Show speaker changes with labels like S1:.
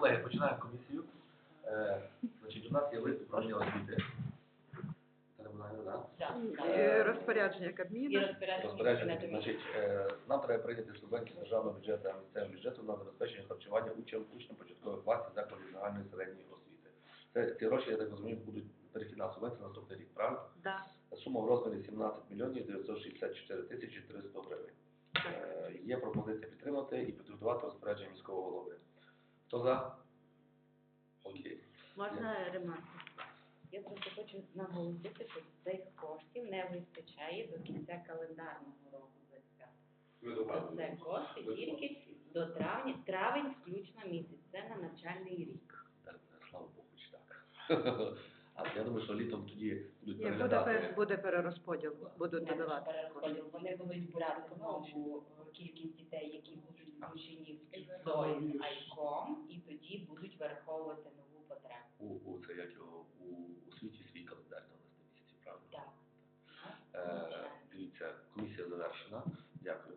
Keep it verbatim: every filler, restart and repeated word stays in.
S1: колеги, починаємо комісію. Е, значить, у нас є лист управління освіти. Це не буде, да?
S2: Так,
S3: І
S2: так.
S3: розпорядження
S2: І
S3: Кабміну.
S2: розпорядження
S1: Розпорядження,
S2: Кабінету
S1: значить, е, нам треба прийняти субвенцію з державного бюджету та місцевого бюджету на забезпечення харчування учнів учнів початкових класів закладів загальної середньої освіти. Це ці гроші, я так розумію, будуть перехідна субвенція на наступний рік, правильно?
S3: Да.
S1: Сума в розмірі сімнадцять мільйонів дев'ятсот шістдесят чотири тисячі триста гривень. Е, Є пропозиція підтримати і підготувати розпорядження міського голови. Хто за? Окей.
S4: Можна ремарку?
S2: Я просто хочу наголосити, що цих коштів не вистачає до кінця календарного року двадцять п'ятого. Це кошти тільки до травня, травень включно місяць. Це на навчальний рік.
S1: Так, слава Богу, чи так. А я думаю, що літом тоді будуть
S3: Ні, буде,
S1: переглядати.
S3: пер- буде перерозподіл, будуть
S2: Не
S3: додавати.
S2: перерозподіл. Вони будуть брати нову кількість дітей, які будуть включені в КІСО з АЙКОМ, і тоді будуть враховувати нову потребу.
S1: У, у це як його у, у світі свій календар на листи місяців, правильно?
S2: Так.
S1: Е, дивіться, комісія завершена. Дякую.